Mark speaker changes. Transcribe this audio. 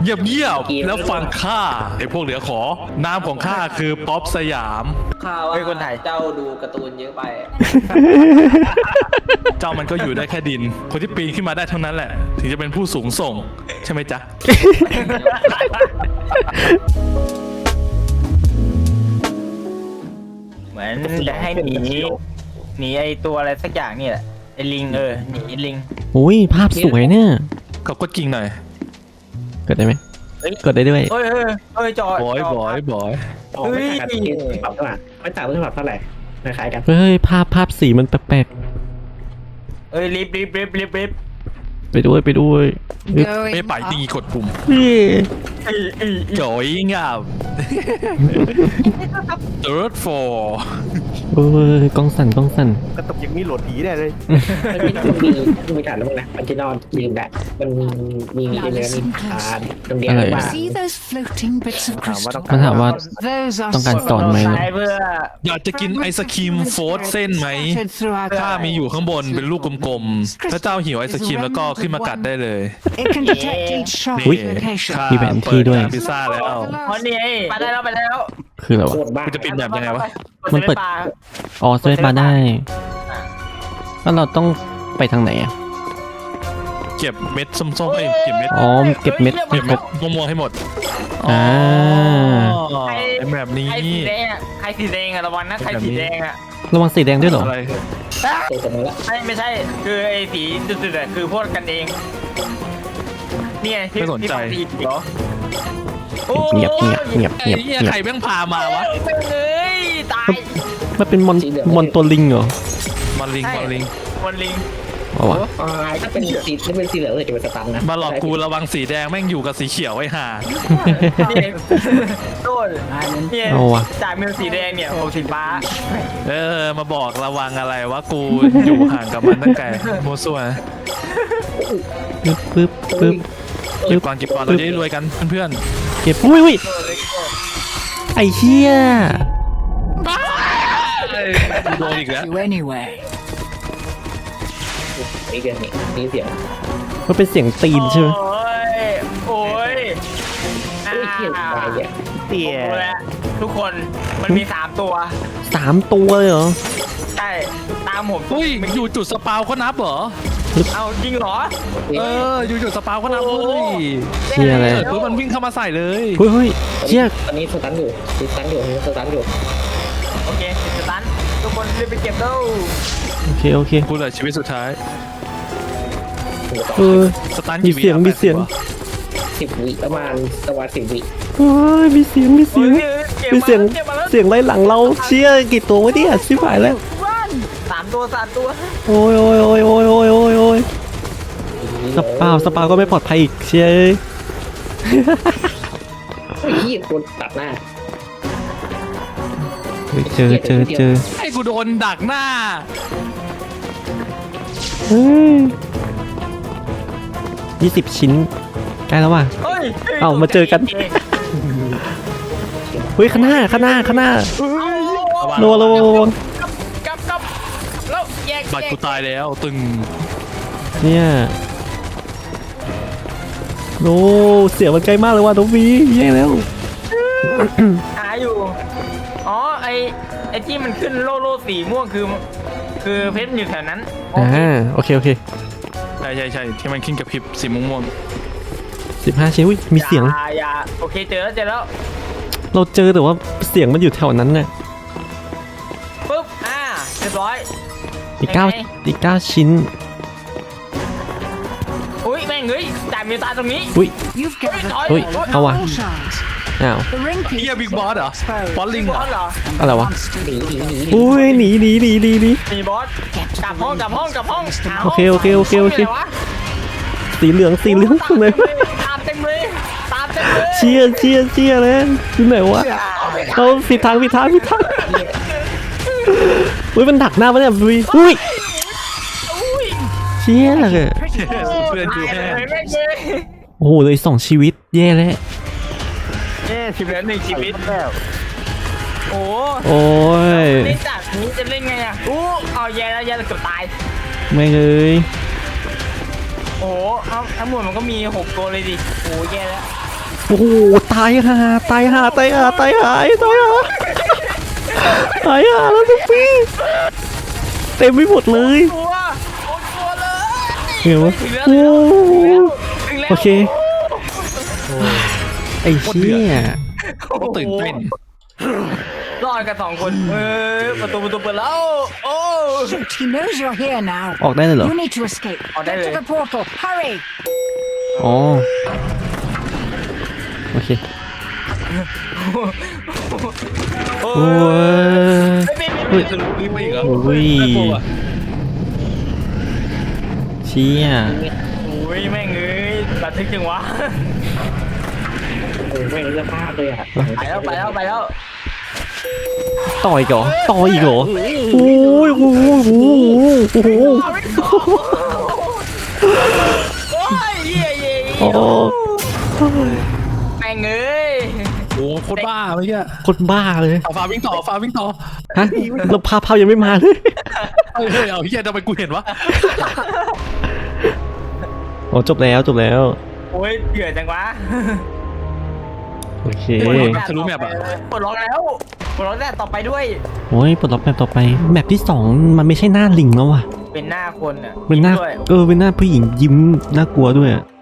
Speaker 1: เงียบแล้วฟังข้าไอ้พวกเหลือขอนามของข้าคือป๊อปสยาม
Speaker 2: ข้าว่าคนไทยเจ้าดูการ์ตูนเยอะไป
Speaker 1: เจ้ามันก็อยู่ได้แค่ดิน คนที่ปีนขึ้นมาได้เท่านั้นแหละ ถึงจะเป็นผู้สูงส่ง ใช่ไหมจ๊ะ
Speaker 3: เหมือนจะให้หนีไอตัวอะไรสักอย่างนี่แหละไอลิงหนีลิง
Speaker 4: อุ้ยภาพสวยเนี่ย
Speaker 1: เขาก็กิ่งหน่อย
Speaker 4: กดได้ไหมกดได้ด้วย
Speaker 3: เอ้ยจอด
Speaker 1: บอย
Speaker 5: อ๋อไม่ต่างกันปรับเท่าไหร่ไม่ต่างกันปรับเท่าไหร่คล้ายๆกัน
Speaker 4: เฮ้ยภาพสีมันแปลก
Speaker 3: เอ้ยรีบ
Speaker 4: ๆไปด้วย
Speaker 1: ไม่ไปจริงกดปุ่ม
Speaker 4: นี่
Speaker 1: จ่อยงับ third floor
Speaker 4: เอ้ยกล้องสั่น
Speaker 6: กระตุกอย่างนี้โหลดผีได้เลย
Speaker 5: มันมีฐานแล้วมั้งนะมันจะนอนยืนได้มันมีเนื้อมีฐานตรงเดียวว่า
Speaker 7: See those floating bits of
Speaker 6: ถามว่าต้อง
Speaker 7: crystal?
Speaker 4: มันถามว่า
Speaker 7: Those are
Speaker 4: ต้องการสอนไหม
Speaker 3: ใช้เพื่อ
Speaker 1: อยากจะกินไอศครีมโฟร์เส้นไหม
Speaker 7: scattered throughout
Speaker 1: ถ้ามีอยู่ข้างบนเป็นลูกกลมๆ ถ้าเจ้าหิวไอศครีมแล้วก็ขึ้นมากัดได้เลย
Speaker 7: It can detect each shot
Speaker 4: อุ๊ย
Speaker 7: location.
Speaker 1: ข้า
Speaker 4: มีแผนที่ด้วย
Speaker 1: เปิร้านพิซซ่าแล้ว
Speaker 3: เพราะนี่ไปได้แล้ว
Speaker 4: คืออะไรวะ
Speaker 5: โคตรบ้า
Speaker 1: กูจะปิดแบบยังไงวะ
Speaker 4: มันเปิด อ๋อสเปซบาร์ได้แล้วเราต้องไปทางไหนอ่ะ
Speaker 1: เก็บเม็ดส้มๆเก็บเม็ด
Speaker 4: อ๋อเก็บเม็ด
Speaker 1: เก็บเม็ดม่วงๆให้หมด
Speaker 4: อ่า
Speaker 1: ไอแบบนี้
Speaker 3: ใครสีแดงใครสีแดงระวังนะใครสีแดง
Speaker 4: ระวังสีแดงด้วยเหรอ
Speaker 1: อะไร
Speaker 5: ตัวสมมติละ
Speaker 3: ไม่ใช่คือไอ้สีจุดๆคือพวกกันเองนี่ไงที่เหรอ
Speaker 4: เงียบ
Speaker 1: ไอ้เหี้ยใครแม่งพามาวะ
Speaker 3: เอ้ยตาย
Speaker 4: มันเป็นมอนตัวลิงเหรอ
Speaker 1: มันลิง
Speaker 3: วันลิง
Speaker 4: เอาวะ
Speaker 5: ถ้าเป็นสีเหลืองเลยจะเป็นสตันนะ
Speaker 1: มาหลอกกูระวังสีแดงแม่งอยู่กับสีเขียวไอ้ห่า
Speaker 3: นี่โดนนี่
Speaker 4: เอาวะ
Speaker 3: จากมิวสีแดงเนี่ยผมสีฟ้า
Speaker 1: มาบอกระวังอะไรวะกูอยู่ห่างกับมันตั้งแต่โมวซั่วนะ
Speaker 4: ปึ๊บ
Speaker 1: เก็บก่อนเราจะได้รวยกันเพื่อน
Speaker 4: เก็บอุ้ยไอ้เหี้ย
Speaker 1: ๆโดนอีกแล้ว
Speaker 7: You anyway.
Speaker 5: นี่เกินนี่เสียง
Speaker 4: มันเป็นเสียงตีนใช่ไหม
Speaker 3: โอ้ย
Speaker 5: เที่ยงไปเนี่ย
Speaker 6: เตี่ย
Speaker 3: ทุกคนมันมี3ตัว
Speaker 4: 3 ตัวเลยเหรอ
Speaker 3: ใช่ตามผม
Speaker 1: อุ้ยอยู่จุดสปาวเขานับเหรอ
Speaker 3: เอาจริงเหรอ
Speaker 1: อยู่จุดสปาวเขานับเว้ย
Speaker 4: เชี่ยอะไร
Speaker 1: เกิดมันวิ่งเข้ามาใส่เลย
Speaker 4: เฮ้ยเชี่ย
Speaker 5: ตอนนี้สตันอยู่
Speaker 3: โอเคสตันทุกคนรีบไปเก็บเร็ว
Speaker 4: โอเค
Speaker 1: กูเหลือชีวิตสุดท้าย สตัน
Speaker 4: มีเสียง
Speaker 5: 10 วิประมาณ10 วิ
Speaker 4: เฮ้ยมีเสียงเสียงไล่หลังเราเชี่ยกี่ตัววะเนี่ยชิบหายแล้ว
Speaker 3: 3 ตัว
Speaker 4: โอ้ยสปาวก็ไม่ปลอดภัยอีกเชี่ย
Speaker 5: ที่คนตัดหน้า
Speaker 4: เจอ
Speaker 1: ไอ้กูโดนดักหน้า
Speaker 4: เฮ้ย20 ชิ้นใกล้แล้วว่ะ
Speaker 3: เฮ้ย
Speaker 4: เอามาเจอกัน เฮ้ยข้างหน้าระวัง
Speaker 3: กับแล้วแยก
Speaker 1: บัตรกูตายแล้วตึง
Speaker 4: เนี่ยโอ้เสียงมันใกล้มากเลยว่ะน้องวีแย่แล้ว
Speaker 3: หาอยู่อ๋อไอที่มันขึ้นโล่สีม่วงคือเพชรอยู่แถวนั้น
Speaker 4: โอเค
Speaker 1: ใช่ที่มันขึ้นกับพริบสีม่วง
Speaker 4: 15 ชิ้นอุ้ยมีเสียง
Speaker 3: อย่าโอเคเจอแล้ว
Speaker 4: เราเจอแต่ว่าเสียงมันอยู่แถวนั้นน่ะ
Speaker 3: ปุ๊บเรียบร้อย
Speaker 4: อีก 9 ชิ้น
Speaker 3: อุ้ยแม่งเฮ้ยจ่ายมีตาตรงนี้
Speaker 4: อุ้ย
Speaker 7: You've gathered
Speaker 4: Ui,
Speaker 7: all
Speaker 4: เอาว่ะ
Speaker 7: shards.
Speaker 4: อ้าว
Speaker 7: The ring
Speaker 1: ๆเฮียบิ๊กบอสเหรอ บอสลิงเหรอ
Speaker 3: เหรอ
Speaker 4: อะไรวะ
Speaker 7: monster.
Speaker 4: อุ้ยหนี
Speaker 3: มีบอสกลับห้อง
Speaker 4: โอเคสีเหลืองตรงไหนวะ
Speaker 3: ตามเต็มเลย
Speaker 4: เชียเลยอยู่ไหนวะเราผิดทางอุ้ยมันดักหน้าปะเนี่ยอุ้ยเชี่ยเลย
Speaker 1: เพื่อนดูแห้ง
Speaker 4: โอ้โหเลย2 ชีวิตแย่แล้ว
Speaker 3: เหลือ1 ชีวิต
Speaker 6: แล้ว
Speaker 3: โอ้
Speaker 4: โอ้ย
Speaker 3: เล่นจากนี้จะเล่นไงเอาแย่แล้วเกือบตาย
Speaker 4: ไม่เลย
Speaker 3: โอ้เอาทั้งหมดมันก็มี6 ตัวเลยดิโอ้แย่แล้ว
Speaker 4: โอ้โหตายห่าตายห่าตายห่าตายห่าตายห่าตายห่าแล้วทุกปีเต็มไปหมดเลย
Speaker 3: ตัวโอ้ตัวเลย
Speaker 4: เห็นไหม
Speaker 3: ถึงแล้ว
Speaker 4: โอ้
Speaker 3: ถึงแล้ว
Speaker 4: โอเคไอ้เชี่ย
Speaker 1: ต้องตื่นเต้น
Speaker 3: รอดกัน2 คนประตูเปิดแล้วโอ้
Speaker 7: Shoot, he knows you're here now.
Speaker 4: ออกได้เลยเหรอ
Speaker 7: You need to escape.
Speaker 3: Oh,
Speaker 7: Get
Speaker 3: there
Speaker 7: to
Speaker 3: it
Speaker 7: the portal. Hurry.
Speaker 4: อ๋อโอเค
Speaker 3: โอ้
Speaker 4: โอ้ย
Speaker 3: ไม่
Speaker 1: จะรู้รีบไปอีกเหรอ
Speaker 4: โอ้ย
Speaker 1: น่ากลัวว่ะ
Speaker 4: เชี่ย
Speaker 3: โอ้ยแม่งเอ้ยระทึกจังวะ
Speaker 5: โอ้ไม่รู้สภาพเลยอ่ะ
Speaker 3: ไปแล้ว
Speaker 4: ต่ออีกเหรอต่ออีกเหรอโอ้ยโอ้โหโอ้โหโอ้โห
Speaker 3: โอ้ยเย่เย่
Speaker 4: โอ้
Speaker 3: แม่งเอ้ย
Speaker 1: โอ้โคตรบ้าเมื่อกี้
Speaker 4: คนบ้าเลย
Speaker 1: เอาฟ้าวิ่งต่อฟ้าวิ่งต่อ
Speaker 4: ฮะแล้วภาพยังไม่มาเลย
Speaker 1: เฮ้ยเอาเฮียทำไมกูเห็นวะ
Speaker 4: โอ้จบแล้วจบแล้ว
Speaker 3: โอ้ยเดือดจังวะ
Speaker 4: โอเค
Speaker 1: ทะลุแมปอะ
Speaker 3: ปลดล็อกแล้วปลดล็อกแต่ต่อไปด้วย
Speaker 4: โอ้ยปลดล็อกแมปต่อไปแมปที่2มันไม่ใช่หน้าลิงแล้วว่ะ
Speaker 3: เป็นหน้าคนอ่ะ
Speaker 4: เป็นหน้า
Speaker 3: ด้วย
Speaker 4: เป็นหน้าผู้หญิงยิ้มน่ากลัวด้วยอะ